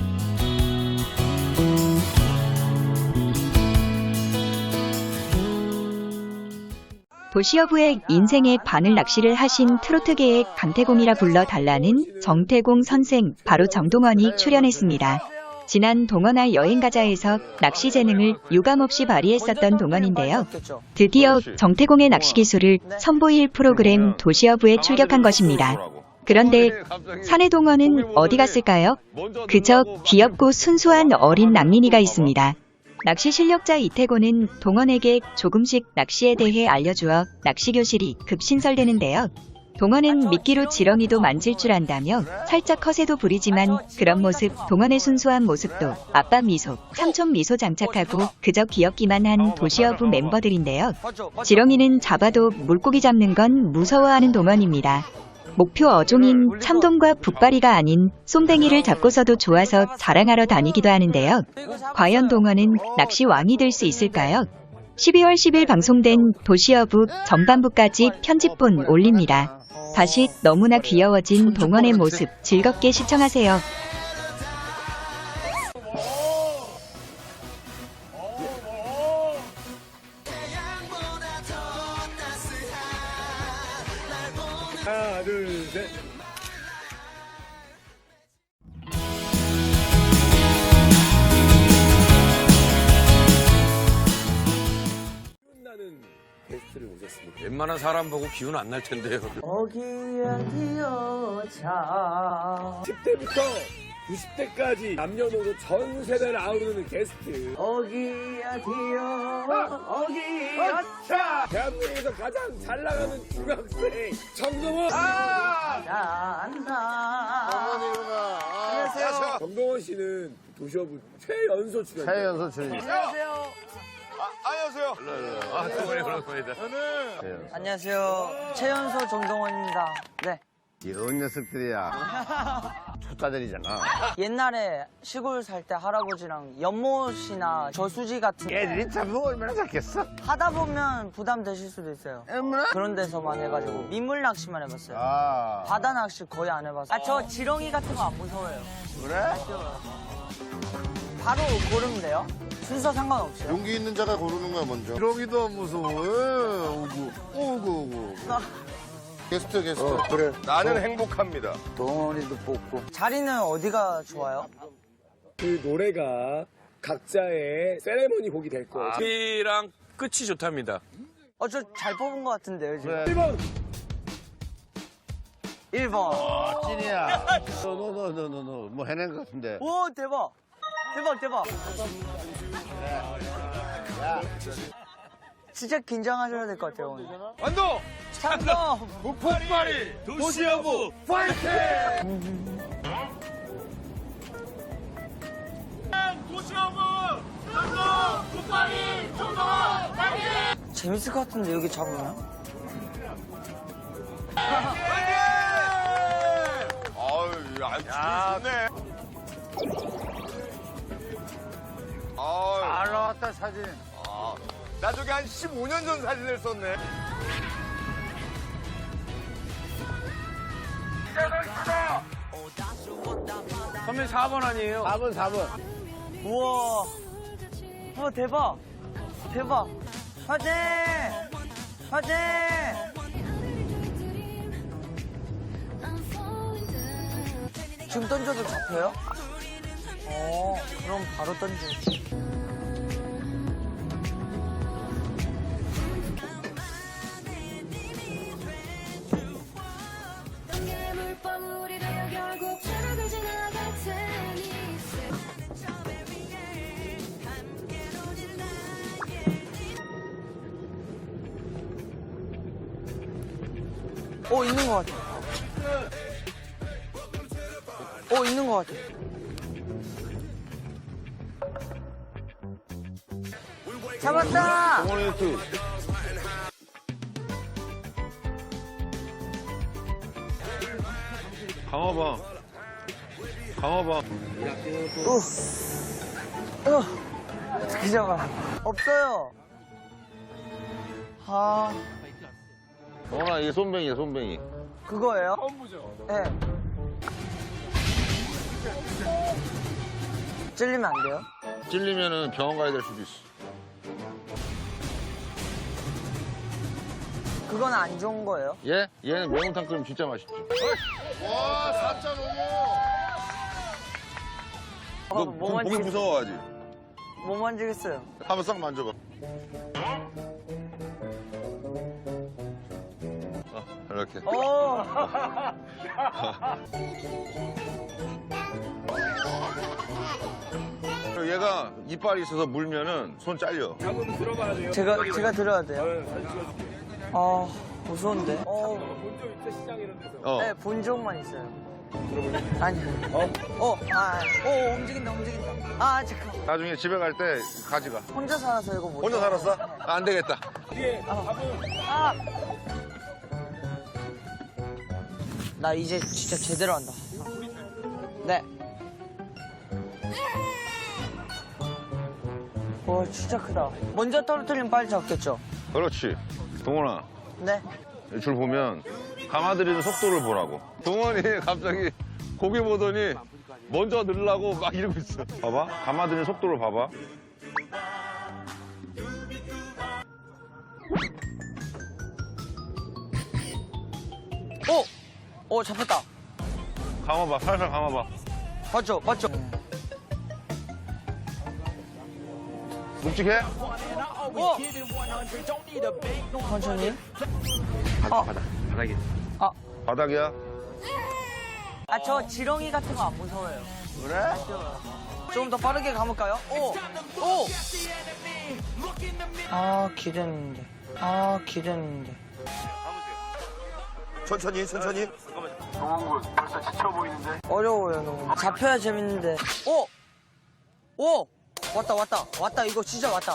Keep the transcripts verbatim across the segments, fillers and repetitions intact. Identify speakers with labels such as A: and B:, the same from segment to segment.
A: 도시어부의 인생의 반을 낚시를 하신 트로트계의 강태공이라 불러달라는 정태공 선생, 바로 정동원이 출연했습니다. 지난 동원아 여행가자에서 낚시 재능을 유감없이 발휘했었던 동원인데요. 드디어 정태공의 낚시 기술을 선보일 프로그램 도시어부에 출격한 것입니다. 그런데 사내 동원은 어디 갔을까요? 그저 귀엽고 순수한 어린 낭린이가 있습니다. 낚시 실력자 이태곤은 동원에게 조금씩 낚시에 대해 알려주어 낚시 교실이 급신설되는데요. 동원은 미끼로 지렁이도 만질 줄 안다며 살짝 허세도 부리지만 그런 모습, 동원의 순수한 모습도 아빠 미소, 삼촌 미소 장착하고 그저 귀엽기만 한 도시어부 멤버들인데요. 지렁이는 잡아도 물고기 잡는 건 무서워하는 동원입니다. 목표 어종인 참돔과 북바리가 아닌 쏨뱅이를 잡고서도 좋아서 자랑하러 다니기도 하는데요. 과연 동원은 낚시 왕이 될 수 있을까요? 십이월 십일 방송된 도시어부 전반부까지 편집본 올립니다. 다시 너무나 귀여워진 동원의 모습 즐겁게 시청하세요.
B: 하나, 둘, 셋. 나는 게스트를 모셨습니다.
C: 웬만한 사람 보고 기운 안 날 텐데요.
D: 어기야 기어차
B: 십 대부터 구십 대까지 남녀노소 전 세대를 아우르는 게스트.
D: 어기야 기어 어기야
B: 자, 대한민국에서 가장 잘 나가는 중학생 정동원. 아!
D: 난다.
B: 안녕하세요. 정동원 씨는 도시어부 최연소 출연.
E: 최연소 출연.
D: 안녕하세요.
C: 안녕하세요. 아, 동원이 그런 거이다.
D: 안녕하세요. 최연소 정동원입니다. 네.
E: 이런 녀석들이야. 초짜들이잖아.
D: 옛날에 시골 살 때 할아버지랑 연못이나 저수지 같은 데
E: 애들이 잡으면 얼마나 잡겠어?
D: 하다 보면 부담 되실 수도 있어요.
E: 얼마나?
D: 그런 데서만 해가지고 민물 낚시만 해봤어요.
E: 아.
D: 바다 낚시 거의 안 해봤어요. 아, 저 지렁이 같은 거 안 무서워요.
E: 그래?
D: 바로 고르면 돼요. 순서 상관없어요.
E: 용기 있는 자가 고르는 거야, 먼저. 지렁이도 안 무서워. 오구, 오구, 오구. 게스트, 게스트.
C: 어, 그래. 나는 행복합니다.
E: 동원이도 뽑고.
D: 자리는 어디가 좋아요?
B: 그 노래가 각자의 세레머니 곡이 될 거예요.
C: 앞이랑 끝이 좋답니다.
D: 어, 저 잘 뽑은 것 같은데요, 지금.
E: 그래.
B: 일 번.
D: 일 번.
E: 아, 찐이야. 너, 너, 너, 너, 너, 너, 뭐 해낸 것 같은데.
D: 오, 대박. 대박, 대박.
E: 야,
D: 진짜 긴장하셔야 될 것 같아요, 오늘.
C: 완도!
D: 참돔!
C: 북파리! 도시어부! 파이팅! 도시어부! 참돔! 북파리! 청동원! 파이팅!
D: 재밌을 것 같은데, 여기 잡으면?
C: 아유, 야, 좋네. 아유,
E: 잘 나왔다, 사진.
C: 아, 나 저기 한 십오 년 전 사진을 썼네. 선배님 사 번 아니에요?
E: 사 번, 사 번.
D: 우와. 우와, 대박. 대박. 화이팅! 화이팅! 지금 던져도 잡혀요? 어, 그럼 바로 던져. 어, 있는 것 같아. 어, 있는 것 같아. 잡았다!
E: 동원이 또.
C: 강화봐. 강화봐.
D: 우. 어. 어떻게 잡아? 없어요. 아,
E: 동원아, 이게 손뱅이야, 손뱅이.
D: 그거예요?
B: 처음 보죠.
D: 네. 찔리면 안 돼요?
E: 찔리면은 병원 가야 될 수도 있어.
D: 그건 안 좋은 거예요?
E: 얘? 얘는 매운탕 끓이면 진짜 맛있지. 와, 사 점 오 모.
D: 어, 뭐 만지,
C: 무서워하지?
D: 뭐 만지겠어요?
E: 한번 싹 만져봐. 어, 이렇게.
D: 오!
E: 그리고 얘가 이빨이 있어서 물면은 손 잘려.
B: 잡으면 들어가야 돼요.
D: 제가, 제가 들어야 돼요?
B: 네, 사진 찍어줄게.
D: 아, 무서운데? 어,
B: 본적 있죠, 시장 이런 데서.
E: 어.
D: 네, 본 적만 있어요. 아니, 어? 어, 아, 오, 움직인다, 움직인다. 아, 잠깐.
E: 나중에 집에 갈 때 가져가.
D: 혼자 살아서 이거 못.
E: 혼자
D: 해요.
E: 살았어? 아, 안 되겠다.
B: 뒤에 잡으면
D: 아! 나 이제 진짜 제대로 한다. 네. 와, 진짜 크다. 먼저 떨어뜨리면 빨리 잡겠죠?
E: 그렇지. 동원아,
D: 네.
E: 이 줄 보면 감아들이는 속도를 보라고. 동원이 갑자기 고개 보더니 먼저 넣으려고 막 이러고 있어. 봐봐. 감아들이는 속도를 봐봐.
D: 오! 오, 잡혔다.
E: 감아봐. 살살 감아봐.
D: 맞죠? 맞죠?
E: 묵직해?
D: 오! 천천히.
B: 바닥, 바닥, 바닥에.
D: 아,
E: 바닥이야?
D: 아, 저 지렁이 같은 거 안 무서워요.
E: 그래?
D: 좀 더 빠르게 감을까요? 오! 오! 아, 기대했는데. 아, 기대했는데.
C: 천천히, 천천히.
D: 어려워요, 너무. 잡혀야 재밌는데. 오! 오! 왔다, 왔다. 왔다, 이거 진짜 왔다.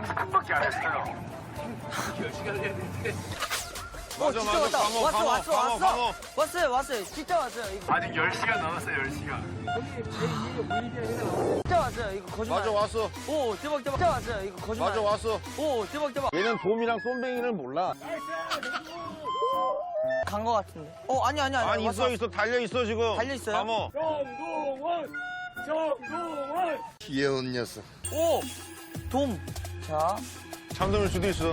D: 오,
E: 맞아,
D: 진짜
E: 맞아.
D: 왔다.
E: 감어,
D: 왔어,
E: 감어,
D: 왔어,
E: 감어,
D: 왔어.
E: 감어.
D: 왔어요, 왔어요. 진짜 왔어요. 이거
F: 아직 열 시간 남았어요, 열 시간.
D: 진짜 왔어요. 이거 거짓말.
E: 맞아, 왔어.
D: 오, 대박, 대박. 진짜 왔어요. 이거 거짓말.
E: 맞아, 왔어.
D: 오, 대박, 대박.
E: 얘는 돔이랑 쏨뱅이를 몰라.
D: 간 거 같은데. 어, 아니, 아니, 아니.
E: 아니,
D: 왔어.
E: 있어, 있어. 달려있어, 지금.
D: 달려있어요?
E: 감어.
B: 정동원! 정동원!
E: 귀여운 녀석.
D: 오! 돔. 자.
E: 잠들을 수도 있어.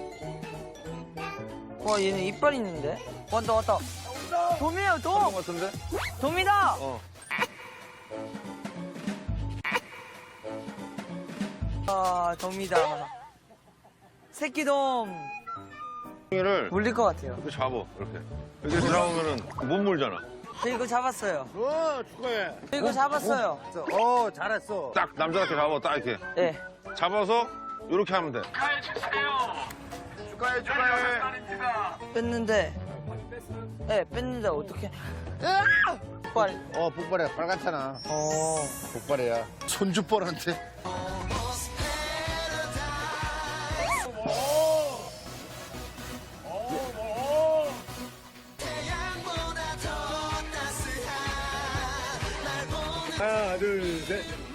D: 와, 얘는 이빨 있는데? 왔다, 왔다. 돔이에요,
E: 것
D: 돔!
E: 같은데?
D: 돔이다!
E: 어.
D: 아, 돔이다. 새끼 돔.
E: 을
D: 물릴 것 같아요.
E: 이렇게 잡아, 이렇게. 이렇게 들어오면은 못 물잖아.
D: 저 이거 잡았어요.
E: 어, 축하해.
D: 저 이거 잡았어요.
E: 어, 잘했어. 딱 남자답게 잡아, 딱 이렇게.
D: 예.
E: 잡아서 이렇게 하면 돼.
C: 축하해, 축하해.
D: 뺐는데. 예, 뺐는데 어떻게? 빨.
E: 어, 복발해. 빨갛잖아.
D: 어.
E: 복발이야. 손주뻘한테.
B: 하나, 둘, 셋.